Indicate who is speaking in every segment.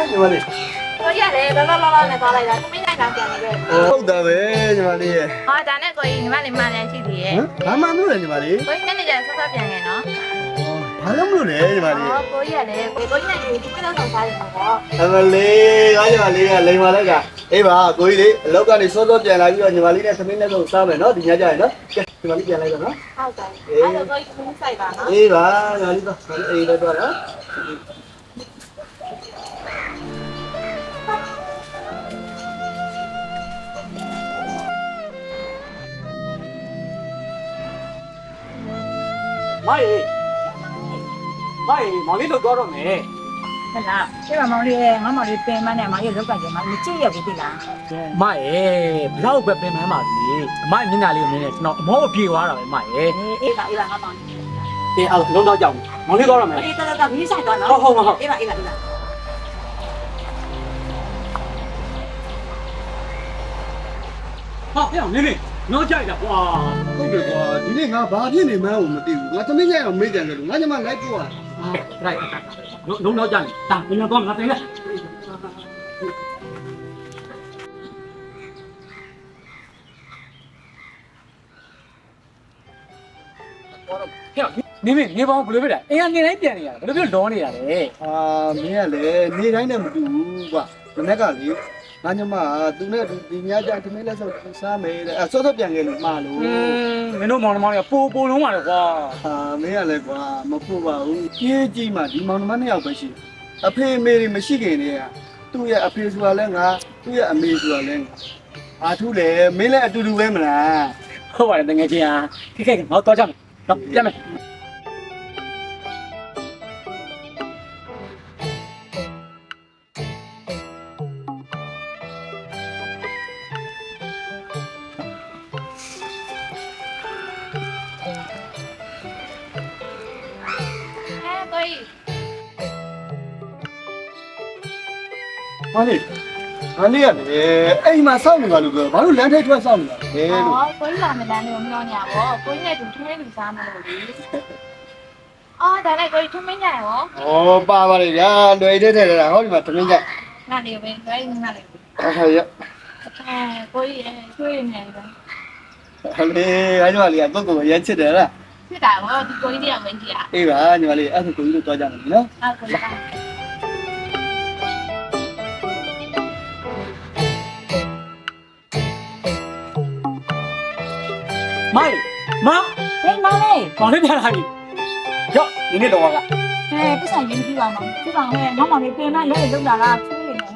Speaker 1: ညီမလေး
Speaker 2: ကိုကြီးရတယ်လောလောလောနဲ့သွားလိုက်တာခမင်းနိုင်တာပြန်နေခဲ့
Speaker 1: ဟုတ်တာပဲညီမလေးရဲ့
Speaker 2: ဟောဒါနဲ့ကိုကြီးညီမလေးမှန်တယ်ရှိသေးရဲ့
Speaker 1: ဘာမှမလုပ်နဲ့ညီမလေး
Speaker 2: ကိုကြီးနဲ့နေကြဆော့ဆော့ပြန်ခဲ့နော်
Speaker 1: ဘာလို့မလုပ်လဲညီမလေး
Speaker 2: ကိုကြီးရတယ်ကိုကြီးနဲ့ဒီပြတော့ဆောင်စားတယ်ပေါ့
Speaker 1: အမလေးငါညီမလေးကလိန်ပါလိုက်ကအေးပါကိုကြီးလေးအလောက်ကနေစောစောပြန်လာပြီးတော့ညီမလေးနဲ့သမီးနဲ့တော့စားမယ်နော်ဒီညကြရင်နော်ကဲညီမလေးပြန်လိုက်တော့နော်
Speaker 2: ဟုတ်တယ်အဲ့တော့ကိုကြီးခင်းဆိုင်ပါနော်
Speaker 1: အေးပါညီမလေးတော့အေးတော့တော့နော်
Speaker 3: မိုင်းမောင်လေးလောက်တော့တော့မယ်
Speaker 2: ဟုတ်လားရှင်းပါမောင်လေးငါမောင်လေးပင်မနဲ့မောင်လေးလောက်ကကြမှာမကြည့်ရဘူးတိလား
Speaker 3: မိုင်းဘလောက်ပဲပင်မန်းပါစီအမိုင်းမျက်နှာလေးကိုမြင်နေကျွန်တော်အမောပြေသွားတာပဲမိုင်း
Speaker 2: အေးပါငါမောင်လေး
Speaker 3: တင်အောင်လုံးတော့ကြောက်မောင်လေးတော့တော့မယ်
Speaker 2: အေးတော်မီးဆိုင်သွားနော်
Speaker 3: ဟုတ်
Speaker 2: အေးပါ
Speaker 3: ဟောပြောင်းနေနော်ကြိုက်တာကွာ
Speaker 1: ဟုတ်တယ်ကွာဒီနေ့ငါဘာဖြစ်နေမှန်းကိုမသိဘူးငါသမီးကြိုက်အောင်မေးကြတယ်လို့ငါညီမလိုက်ပို့ရ
Speaker 3: right လုံးတော့ကြတယ်ဒါဘယ်တော့ငါတင်လဲနေပေါင်းဘယ်လိုဖြစ်လဲအင်းကနေတိုင်းပြန်နေရတာဘယ်လိုဖြစ်လောနေတာလဲ
Speaker 1: မင်းကလည်းနေတိုင်းနဲ့မတူဘူးကွာမနေ့ကလေငါညီမသူနဲ့ဒီညကြသမီးလက်ဆောက်စားမယ်တဲ့စောစောပြန်ခဲ့လို့မှားလို့
Speaker 3: မင်းတို့မောင်နှမတွေကပိုလုံးပါလေကွာ
Speaker 1: မင်းကလည်းကွာမဖို့ပါဘူးကြီးကြီးမှဒီမောင်နှမနှစ်ယောက်ပဲရှိအဖေအမေတွေမရှိခင်တည်းကသူ့ရဲ့အဖေဆိုတာလဲငါသူ့ရဲ့အမေဆိုတာလဲအာထုလေမင်းလည်းအတူတူပဲမလား
Speaker 3: ဟုတ်ပါတယ်တကယ်ချင်းအားခိငါတော့ကြမယ်တော့ပြန်မယ်
Speaker 1: မလေးအိမ်မှာစောင့်နေပါလို့ပြောဘာလို့လမ်းထိပ်ထွက်စောင့်နေတာလဲလို့
Speaker 2: ကိုကြီးလာမလန်းလို့မပြောညာပေါ့ကိုကြီးနဲ့တူထမင်းလူစားမလို့လေအော်ဒါနဲ့ကိုကြီးထမင်းညာရော
Speaker 1: ပါပါလေဗျာလွယ်တဲ့ထဲတာဟောဒီမှာထမင်းညာ
Speaker 2: နားနေပဲလွယ်နားနေ
Speaker 1: ရ
Speaker 2: ကိုကြီးရွှေနေတယ်
Speaker 1: ဟလေအဲ့ဒီမှာလေပုဂ္ဂိုလ်ရမ်းချစ်တယ်လား
Speaker 2: ဖြစ်တာဟောဒီကိုကြီးတရားဝင်ကြည့်
Speaker 1: အေးပါညီမလေးအဲ့ဒါကိုကြီးတို့တွားကြမယ်နော်
Speaker 2: ဟုတ်ကဲ့
Speaker 3: မိုင်းမ
Speaker 2: ဟေးမောင်လေး
Speaker 3: မောင်လေးပြန်လာပြီရော့ဒီနေ့တော့က
Speaker 2: ပတ်ဆိုင်ရင်းပြီးပါမောင်ပြပါဟဲ့မောင်လေးပြင်မလေးလုံလာတာချွေးနေတယ်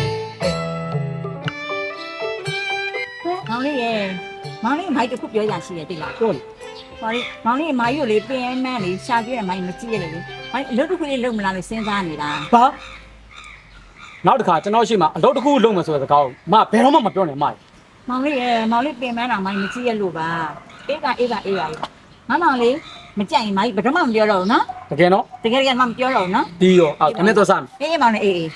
Speaker 2: မောင်လေးရဲ့မောင်လေးမိုက်တစ်ခုပြောရရှိတယ်တိလား
Speaker 3: ပြောလေ
Speaker 2: မောင်လေးမိုက်ကိုလေပင်မန်းလေးရှာပြည့်တယ်မိုက်မကြည့်ရလေမိုက်အလုပ်တစ်ခုလေးလုပ်မလားလို့စဉ်းစားနေတာ
Speaker 3: ဘာနောက်တစ်ခါကျွန်တော်ရှိမှအလုပ်တစ်ခုလုပ်မယ်ဆိုတဲ့စကားကိုမဘယ်တော့မှမပြောနဲ့မ
Speaker 2: မောင်လေးရဲ့မောင်လေးပင်မန်းတော့မိုက်မကြည့်ရလို့ပါအေးပါမောင်လေးမကြိုက်ရင်မိုက်ဘယ်တော့မှမပြောတော့ဘူးနော်
Speaker 3: တကယ်နော်
Speaker 2: တကယ်မှမပြောတော့ဘူးနော်
Speaker 3: ဒီရောအော်ခနဲ့တော့စမ်း
Speaker 2: အေးမောင်လေးအေး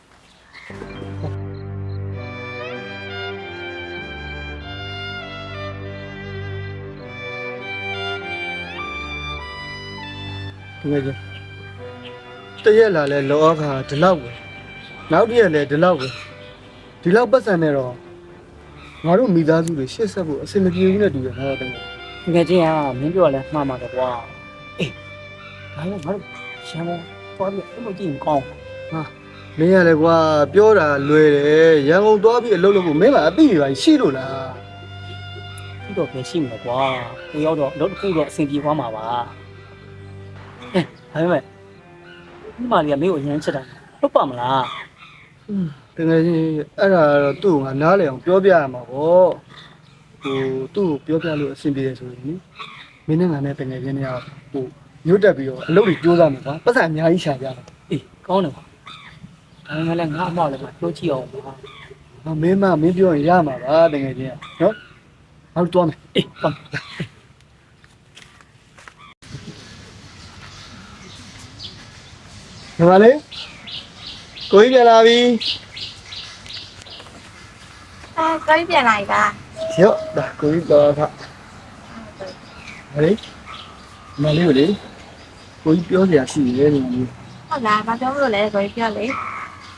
Speaker 1: ဒီမဲ့တရက်လာလဲလောအခါဒီလောက်ပဲနောက်တရက်လဲဒီလောက်ပဲဒီလောက်ပတ်စံနေတော့ငါတို့မိသားစုတွေရှေ့ဆက်ဖို့အဆင်မပြေဘူးနဲ့တူတယ်ငါတို့
Speaker 3: တကယ်ချင်းကမင်းပြောလဲမှားမှာတော့ကွာအေးဒါလည်းငါတို့ရှမ်းပေါ်ပြီးအဲ့လိုကြည့်ရင်ကောင်း
Speaker 1: ဟာမင်းရလဲကွာပြောတာလွယ်တယ်ရန်ကုန်သွားပြီးအလုပ်လုပ်ဖို့မင်းကအသိတွေပါရှိလို့လား
Speaker 3: ဒီတော့ပဲရှိမှာကွာဒီရောက်တော့အလုပ်တစ်ခုတော့အဆင်ပြေသွားမှာပါအေးဒါပေမဲ့ဒီမလေးကမင်းကိုအရန်ချက်တာဟုတ်ပါမလား
Speaker 1: တကယ်ကြီးအဲ့ဒါတော့သူ့ကိုငါနားလည်အောင်ပြောပြရမှာပေါ့သူ့ကိုပြောပြလို့အဆင်ပြေတယ်ဆိုရင်မင်းနဲ့ငါနဲ့တကယ်ချင်းเนี่ยညှို့တက်ပြီးတော့အလုပ်တွေကြိုးစားမယ်ကွာပတ်စံအများကြီးရှာကြတယ်
Speaker 3: အေးကောင်းတယ်ကွာဒါပေမဲ့လည်းငါအမောက်လည်းပြောကြည့်အောင်ပါ
Speaker 1: မင်းပြောရင်ရမှာပါတကယ်ချင်းနော်ငါတို့သွားမယ်
Speaker 3: အေးသွား
Speaker 1: ညီမလေးကိုကြီးပြန်လာပြီ
Speaker 2: ကိုကြီးပြန်လာပြီလား
Speaker 1: ရော့ဒါကိုကြီးတော့ခဟဲ့မလေးကိုလေကိုကြီးပြောစရာရှိတယ်ညီမလေး
Speaker 2: ဟုတ်လားဘာပြောလို့လဲကိုကြီးပြောလေ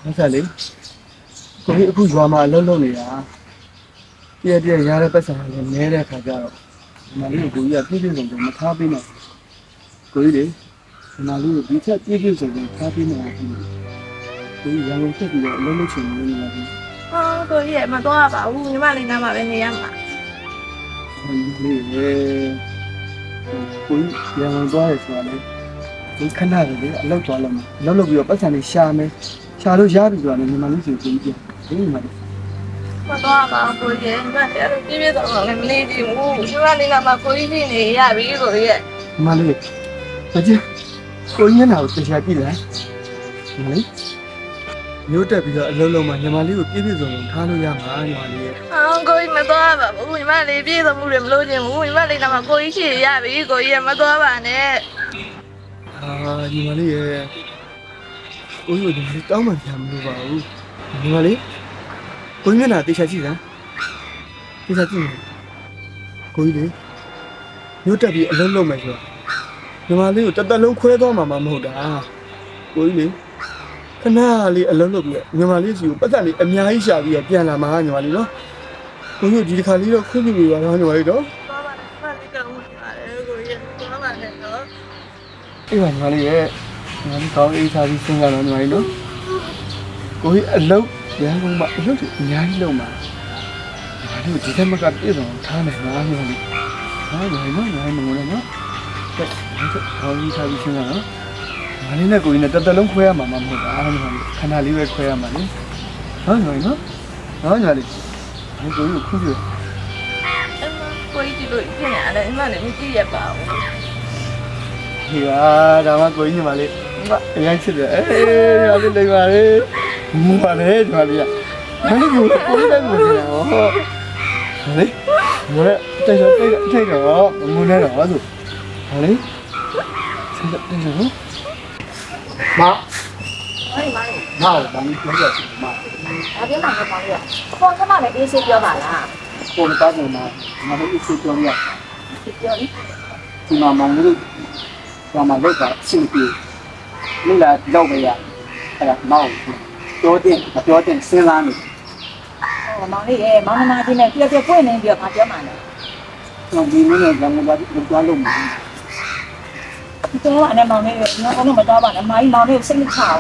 Speaker 1: ဟုတ်ကဲ့လေကိုကြီးအခုရွာမှာအလုပ်လုပ်နေတာပြည့်ရတဲ့ပတ်စံလည်းနဲတဲ့ခါကျတော့ဒီမှာလေးကိုကြီးကပြည့်ပြည့်စုံစုံမထားပေးနိုင်ကိုကြီးလေဒီမှာလေးကိုဒီချက်ပြည့်ပြည့်စုံစုံထားပေးနိုင်ဘူးကိုကြီးရန်ကုန်တက်ပြီးတော့အလုပ်လုပ်ချင်နေနေလားဒီ
Speaker 4: ဟောကိုကြီးရဲ့မတော့ပါဘူးညီမလေးနားမှာပဲနေရမှာ
Speaker 1: လေးလေကိုကြီးရန်ကုန်သွားရဆိုတာလေဒီခဏလေးလေအလုပ်သွားလုပ်မယ်အလုပ်လုပ်ပြီးတော့ပတ်စံလေးရှာမယ်ရှာလို့ရပြီဆိုတာလေညီမလေးစီကိုကြီးပြန်ဒီမှာ
Speaker 4: မတော့ပါဘူးကိုကြီးညီမလေးအဲ့လိုပြည့်ပြည့်စုံစုံလည်းမလေးကြည့်ဘူးညီမလေးနားမှာကိုကြီးဖြစ်နေရပြီကိုကြီးရဲ့
Speaker 1: ညီမလေးမကြီးကိုကြီးမျက်နှာကိုတရားကြည့်လိုက်ညီမလေးမျိုးတက်ပြီးတော့အလုံးလုံးမှာညီမလေးကိုပြည့်ပြည့်စုံစုံထားလို့ရမှာညီမလေးရဲ့
Speaker 4: အော်ကိုကြီးမတော့ပါဘူးညီမလေးပြည့်စုံမှုတွေမလို့ခြင်းဘူးညီမလေးနားမှာကိုကြီးဖြစ်ရပြီကိုကြီးရဲ့မတော့ပါနဲ့
Speaker 1: ညီမလေးရဲ့ကိုကြီးကိုညီမလေးတောင်းမှပြန်မလို့ပါဘူးညီမလေးကိုကြီးမျက်နှာတရားကြည့်စမ်းတရားကြည့်ကိုကြီးလေမျိုးတက်ပြီးအလုံးလုံးမယ်ဆိုတော့ညီမလေးကိုတက်တက်လုံးခွဲသွားမှာမဟုတ်တာကိုကြီးလေခဏလေးအလုံးလုံးပြီးညီမလေးစီကိုပတ်သက်လေးအများကြီးရှာပြီးပြန်လာမှာညီမလေးနော်ကိုကြီးဒီတစ်ခါလေးတော့ခွင့်ပြုပေးပါတော့ညီမလေးတော့
Speaker 4: တော့ပါနဲ့ညီမလေးကောင်းပါတယ်ကိုကြီးရဲ့တော့ပါနဲ့နော်
Speaker 1: အေးပါညီမလေးရဲ့ညီမလေးကောင်းအေးစားပြီးစဉ်းစားတော့ညီမလေးနော်ကိုကြီးအလုံးရန်ကုန်မှာအလုံးတွေအများကြီးလုံးမှာညီမလေးကိုဒီထက်မကပြည့်စုံထားနိုင်မှာညီမလေးဟာညီမလေးနော်ညီမလေးနော်ကဲကောင်းအေးစားပြီးစဉ်းစားနော်ညီမလေးနဲ့ကိုကြီးနဲ့တက်တက်လုံးခွဲရမှာမဟုတ်တာညီမလေးခဏလေးပဲခွဲရမှာလေဟုတ်ညီမလေးနော်ဟုတ်ညီမလေးဒီကိုကြီးကိုခွင့်ပြု
Speaker 4: ကိုကြီးဒီလိုဖြစ်နေရတယ်ညီမလေးမကြည့်ရပါဘူး
Speaker 1: ဒီပါဒါမှကိုကြီးညီမလေးအရင်ချစ်တယ်အေးညီမလေးလိမ့်ပါလေမူပါလေညီမလေးကဘာလို့ကိုကြီးတိုင်းမူနေတာဟောလေမလဲတိုက်တော့မူနေတော့ဆိုဟာလေဆက်တိုက်တော့မ
Speaker 2: ဟိုမိုင်း
Speaker 1: ဟာဘာလို့ပြောရစီမ
Speaker 2: အပြင်းမှာမပေါင်းရခေါင်းကမှလည်းအေးဆေးပြောပါလား
Speaker 1: ကိုယ်တောင်းနေတာငါတို့အစ်စ်ပြောရ
Speaker 2: ပြောလိ
Speaker 1: ဒီမှာမောင်လေးကမှလောက်တာအဆင်ပြေလိလာလောက်ပဲရအဲ့ဒါမောင်ပြောတဲ့မပြောတဲ့စဉ်းစားနေ
Speaker 2: ဟောမောင်လေးရဲ့မောင်နှမချင်းနဲ့ပြပွင့်နေပြီးတော့ငါပြောမှန်းတယ်
Speaker 1: ကျွန်တော်ဒီနေ့လည်းငါဘာလို့ပြောလို့မလဲ
Speaker 2: ပြောပါနဲ့မောင်လေးရဲ့ငါကတော့မတော်ပါနဲ့မောင်လေးကိုစိတ်မချဘူး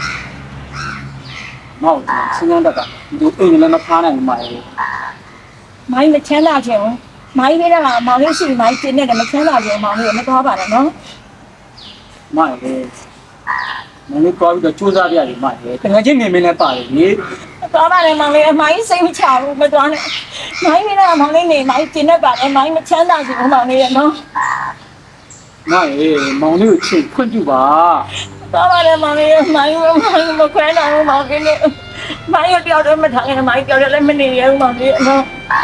Speaker 1: မောင်စဉ်းစားတတ်တာဒီအိမ်လည်းမဖားနိုင်ဘူးမာရေ
Speaker 2: မိုင်းမချမ်းသာချင်ဘူးမိုင်းပေးတာကမောင်လေးရှိမိုင်းတင်နေတယ်မချမ်းသာချင်မောင်လေးမတော်ပါနဲ့နော်
Speaker 1: မာရေမလေးကောပြီးတော့စူးစမ်းပြရတယ်မာရေတကယ်ချင်းနေမင်းလည်းပါတယ်လေ
Speaker 2: တော်ပါနဲ့မောင်လေးမိုင်းစိတ်မချဘူးမတော်နဲ့မိုင်းပေးတာကမောင်လေးနေမိုင်းတင်နေပါတယ်မိုင်းမချမ်းသာချင်ဘူးမောင်လေးရဲ့နော်
Speaker 1: မာရေမောင်လေးကိုချိန်ခွင့်ပြုပါ
Speaker 2: တော်ပါနဲ့မောင်လေးမိုင်းမခွဲနိုင်ဘူးမောင်လေးနဲ့မိုင်းရပြောတော့မထားနဲ့မိုင်းပြောတယ်လည်းမနေရဘူးမောင်လေးနော်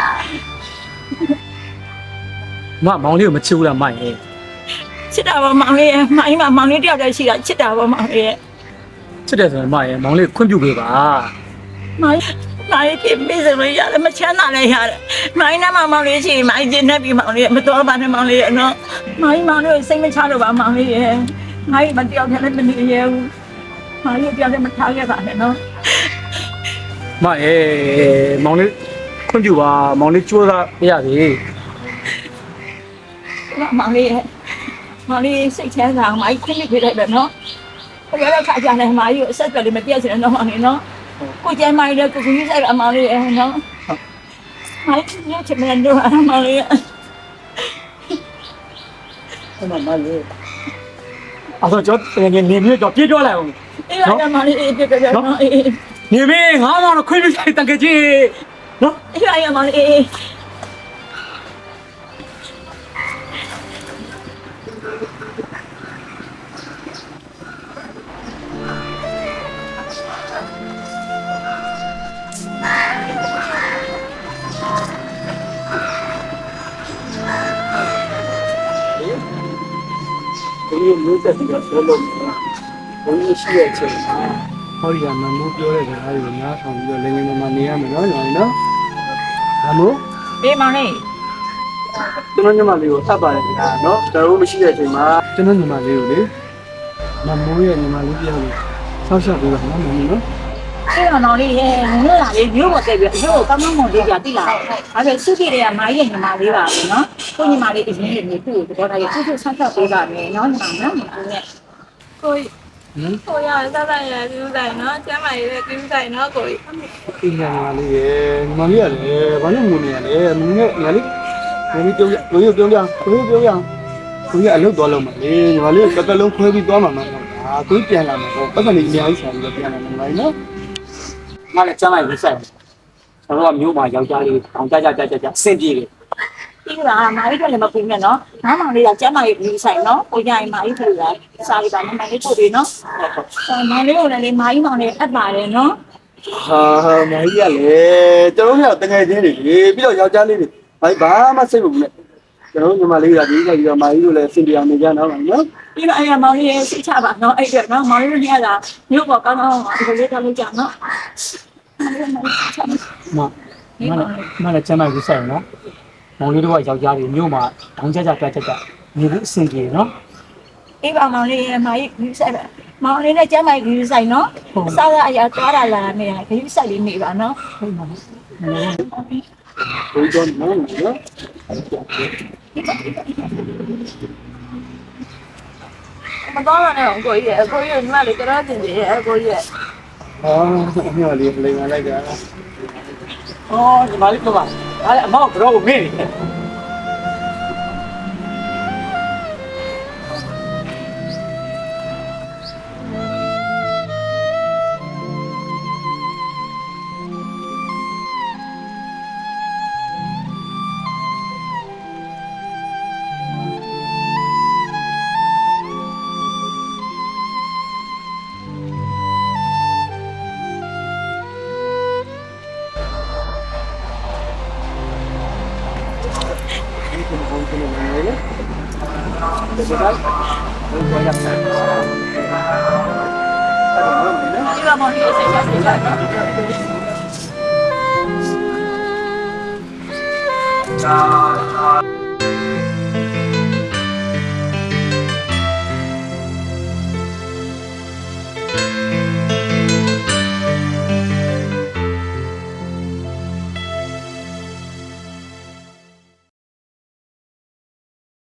Speaker 3: မောင်လေးကိုမချစ်ဘူးလားမိုင်ရဲ့
Speaker 2: ချစ်တာပါမောင်လေးမိုင်းမှာမောင်လေးတယောက်တည်းရှိတာချစ်တာပါမောင်လေး
Speaker 3: ချစ်တယ်ဆိုရင်မိုင်ရဲ့မောင်လေးကိုခွင့်ပြုပေးပါ
Speaker 2: မိုင်းဖြစ်ပြီးစလို့ရတယ်မချမ်းသာလည်းရတယ်မိုင်းနဲ့မောင်လေးရှိမိုင်းကျင်းနေပြီမောင်လေးမတော်ပါနဲ့မောင်လေးနော်မိုင်းမောင်လေးစိတ်မချလို့ပါမောင်လေးရဲ့မိုင်းမတယောက်တည်းလည်းမနေရဘူးမိုင်းတယောက်တည်းမထားခဲ့ပါနဲ့နော်
Speaker 3: မိုင်ရဲ့မောင်လေးခွင့်ပြုပါမောင်လေးကြိုးစားပြရစီ
Speaker 2: မောင်လေးရဲ့မောင်လေးစိတ်ချမ်းသာမိုင်းခွင့်ပြုလိုက်တယ်နော်ဘယ်တော့ခါကြလဲမိုင်းကိုအဆက်ပြလေးမပြည့်စင်တော့မောင်လေးနော်ကိုကျဲမိုင်းလည်းကိုကြီးဆိုင်အမောင်လေးရဲ့နော်မိုင်းညချင်မလို့မောင်လေးရဲ့
Speaker 1: အဲ့မှာမာရေ
Speaker 3: အဲ့တော့ကျွန်တော်နေမျိုးတော့ပြေးတော့လိုက်အောင်
Speaker 2: အေးပါမောင်လေးပြပြနော်အေး
Speaker 3: နေမင်းငါမောင်တော့ခွင့်ပြုဆိုင်တန်ကြကြီးနော်
Speaker 2: အေးပါမောင်လေး
Speaker 1: ဒီမျိုးတက်ပြီးတော့ပြောလို့ဘုန်းကြီးရှိတဲ့အချိန်မှာဟောဒီကမမိုးပြောတဲ့စကားတွေကိုနားထောင်ပြီးတော့လည်းငယ်မနေရမယ်နော်ညီမလေးနော်မမိုး
Speaker 2: ဘေးမောင်လေး
Speaker 1: ကျွန်တော်ညီမလေးကိုအပ်ပါတယ်ခင်ဗျာနော်ကျွန်တော်မရှိတဲ့အချိန်မှာကျွန်တော်ညီမလေးကိုလေမမိုးရဲ့ညီမလေးပြောလို့ဆောက်ရှောက်ပြီးတော့နော်မမိုးနော်
Speaker 2: မောင်လေးရဲ့ငွေလာလေးမျိုးပေါ်တက်ပြီးအရုပ်ကိုကောင်းကောင်းမွန်လေးပြတိလာဒါပေမဲ့စုကြည့်တွေကမိုင်းရဲ့ညီမလေးပါပဲနော်ကိုညီမလေးအရင်ကနေသူ့ကိုသဘောထားရသူ့ကိုဆန်းဆက်ပေးပါမယ်နော်ညီမနော်ညီမနဲ့
Speaker 4: ကိုကြီးကိုရစားစားရပြုဆိုင်နော်ကျမ်းမာရေးပြုဆိုင်နော်ကိုကြီး
Speaker 1: ဒီညာလေးရေညီမလေးကလည်းဘာလို့ငုံနေရလဲမင်းနဲ့ညာလေးညီလေးပြောရကိုကြီးပြောရကိုကြီးအလုပ်သွားလို့မလေးညီမလေးကတက်လုံးခွဲပြီးသွားမှာမဟုတ်ဒါကိုကြီးပြန်လာမှာပေါ့ပတ်စံလေးအများကြီးဆန်ပြီးပြန်လာမှာမနော်
Speaker 3: ငါလည်းကျမ်းလိုက်ပြီးဆိုင်ကျွန်တော်ကမျိုးမှာယောက်ျားလေးတောင်ကြအဆင်ပြေတယ်
Speaker 2: ဒီကမာရီကလည်းမပူနဲ့နော်ငါမောင်လေးကကျမ်းမာရေးပြီးဆိုင်နော်ကိုကြိုင်မာရီပြေးလာစားလိုက်ပါမမလေးပို့ပြီးနော်မောင်လေးကိုလည်းမာရီမောင်လေးအပ်ပါတယ်နော်
Speaker 1: ဟာမကြီးရလေကျွန်တော်တို့ကတကယ်ချင်းတွေပြီးတော့ယောက်ျားလေးတွေဘာမှစိတ်မပူနဲ့ကျွန်တော်ညီမလေးကဒီကပြီးတော့မာကြီးတို့လည်းစင်ပြအောင်နေကြတော့နော်
Speaker 2: ပြီးတော့အဲ့မောင်လေးရဲ့စိတ်ချပါနော်အဲ့အတွက်နော်မောင်လေးတို့ကမြို့ပေါ်ကောင်းကောင်းဒီလိုလေးထားလို့ကြနော်
Speaker 3: မလည်းကျမ်းလိုက်ပြီးဆိုင်နော်မောင်လေးတို့ကယောက်ျားလေးမျိုးမှာတောင်ကြနေလို့အဆင်ပြေနော်
Speaker 2: အေးပါမောင်လေးရဲ့မာရီဂယူဆိုင်ပါမောင်လေးနဲ့ကျမ်းမာရေးဂယူဆိုင်နော်အစားအရာသွားတာလာနေတာဂယူဆိုင်လေးနေပါနော်
Speaker 3: ဟုတ်ပါဘူး
Speaker 1: ကိုကြီးတော့နော်
Speaker 4: မတော်ရနဲ့ကိုကြီးရဲ့ကိုကြီးညီမလေးကြောက်တင်တယ်ရဲ့ကိုကြီးရဲ့
Speaker 1: ဟာအမေလေးလိမ်လာလိုက်တာ
Speaker 3: အော်ဒီမလေးပြောပါအဲ့အမောက်ကတော့မင်းနေ
Speaker 2: ဒီကမောင်လေးစိတ်ချစိတ်ချနော်